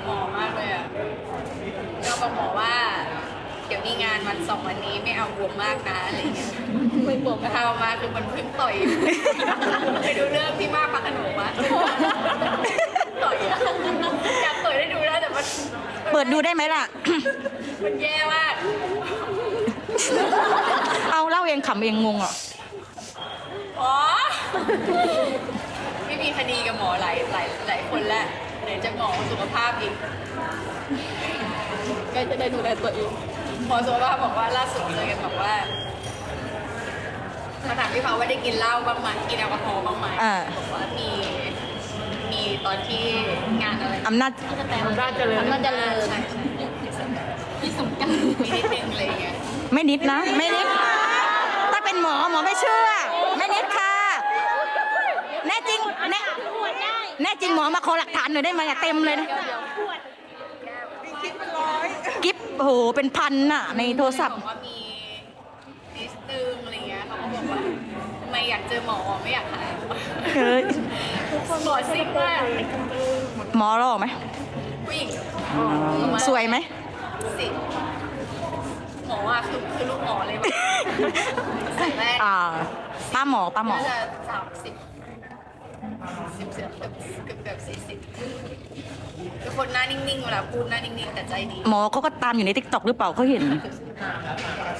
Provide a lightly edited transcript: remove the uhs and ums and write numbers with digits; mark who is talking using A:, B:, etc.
A: หมอมากเลยอ่ะก็บอกหมอว่า เดี๋ยวมีงานวัน2 วันนี้ไม่เอาบวมมากนะอะไรเงี้ยไม่บวมก็ทำมาคือมันเพิ่งต่อยไปดูเรื่องพี่มากพักขนมวะต่อยอะอยากเปิดให้ดูนะแต่มัน
B: เปิดดูได้ไหมล่ะ
A: มันแย่มาก
B: เอาเล่าเองขำเองงงอ่ะ
A: อ๋อไม่มีคดีกับหมอหลายคนแล้วไหนจะหมอสุขภาพอีกก็จะได้ดูแลตัวเองหมอสุขภาพบอกว่าล่าสุดเจอกันบอกว่ามาถามพี่เขาว่าได้กินเหล้าบ้างไหมกินแอลกอฮอล์บ้างไหมบอกว่ามีตอนที่งานอะไร
B: อำนาจ
A: อำนาจเจริญใช่ที่สงกรานต์มีนิดนึงอะไรอย่างเงี้ย
B: ไม่นิดนะ ไม่นิด ถ้าเป็นหมอไม่เชื่อ ไม่นิดค่ะ แน่จริงแน่จริงหมอมาขอหลักฐานหน่อยได้ไหมอะเต็มเลยนะกิฟโอ้โหเป็นพันน่ะ ในโทรศัพท์
A: บอกว่ามีนิดนึงอะไรเงี้ยเขาก็บอกว่าทำไมอยากเจอหมอไม่อยากหาย
B: เฮ้ย
A: หมอซิกมาก
B: หมอหล่อไหม
A: ผู้หญิง
B: สวยไหม
A: สิหมออ่ะคือลูกหมอเลยใส่แว่น
B: ป้าหมอ
A: น่าจะเกือบ40เป็นคนหน้านิ่งๆเวลาพูดหน้านิ่งๆแต่ใจดี
B: หมอเขาก็ตามอยู่ในติ๊กต็อกหรือเปล่าเขาเห็น